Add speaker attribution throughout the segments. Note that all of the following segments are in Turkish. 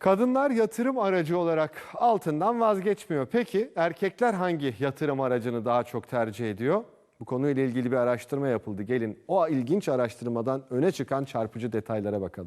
Speaker 1: Kadınlar yatırım aracı olarak altından vazgeçmiyor. Peki erkekler hangi yatırım aracını daha çok tercih ediyor? Bu konuyla ilgili bir araştırma yapıldı. Gelin o ilginç araştırmadan öne çıkan çarpıcı detaylara bakalım.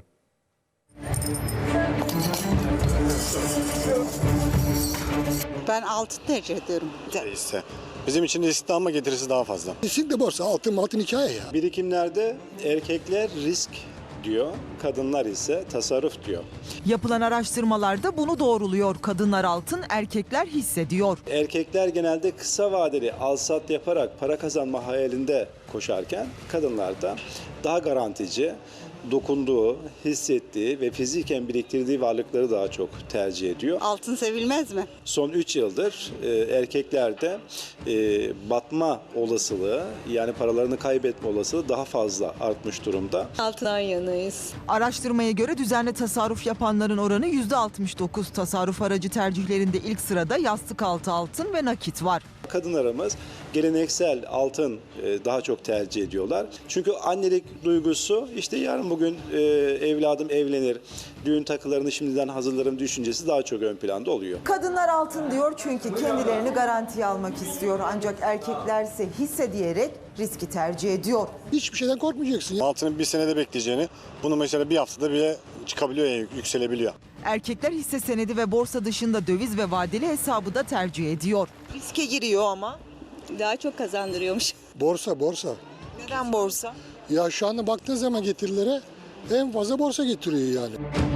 Speaker 2: Ben altın tercih ediyorum.
Speaker 3: Hisse. Bizim için riskli ama getirisi daha fazla.
Speaker 4: Kesinlikle borsa, altın hikaye ya.
Speaker 3: Birikimlerde erkekler risk diyor, kadınlar ise tasarruf diyor.
Speaker 5: Yapılan araştırmalarda bunu doğruluyor. Kadınlar altın, erkekler hisse diyor.
Speaker 3: Erkekler genelde kısa vadeli al-sat yaparak para kazanma hayalinde koşarken kadınlar da daha garantici, dokunduğu, hissettiği ve fiziken biriktirdiği varlıkları daha çok tercih ediyor.
Speaker 2: Altın sevilmez mi?
Speaker 3: Son 3 yıldır erkeklerde batma olasılığı, yani paralarını kaybetme olasılığı daha fazla artmış durumda.
Speaker 6: Altından yanayız.
Speaker 5: Araştırmaya göre düzenli tasarruf yapanların oranı %69. Tasarruf aracı tercihlerinde ilk sırada yastık altı altın ve nakit var.
Speaker 3: Kadınlarımız geleneksel altın daha çok tercih ediyorlar. Çünkü annelik duygusu, işte yarın bugün evladım evlenir, düğün takılarını şimdiden hazırlarım düşüncesi daha çok ön planda oluyor.
Speaker 5: Kadınlar altın diyor çünkü kendilerini garantiye almak istiyor. Ancak erkekler ise hisse diyerek riski tercih ediyor.
Speaker 4: Hiçbir şeyden korkmayacaksın ya.
Speaker 3: Altının bir senede bekleyeceğini, bunu mesela bir haftada bile çıkabiliyor, yani yükselebiliyor.
Speaker 5: Erkekler hisse senedi ve borsa dışında döviz ve vadeli hesabı da tercih ediyor.
Speaker 2: Riske giriyor ama.
Speaker 6: Daha çok kazandırıyormuş.
Speaker 4: Borsa.
Speaker 2: Neden borsa?
Speaker 4: Ya şu anda baktığın zaman getirilere en fazla borsa getiriyor yani.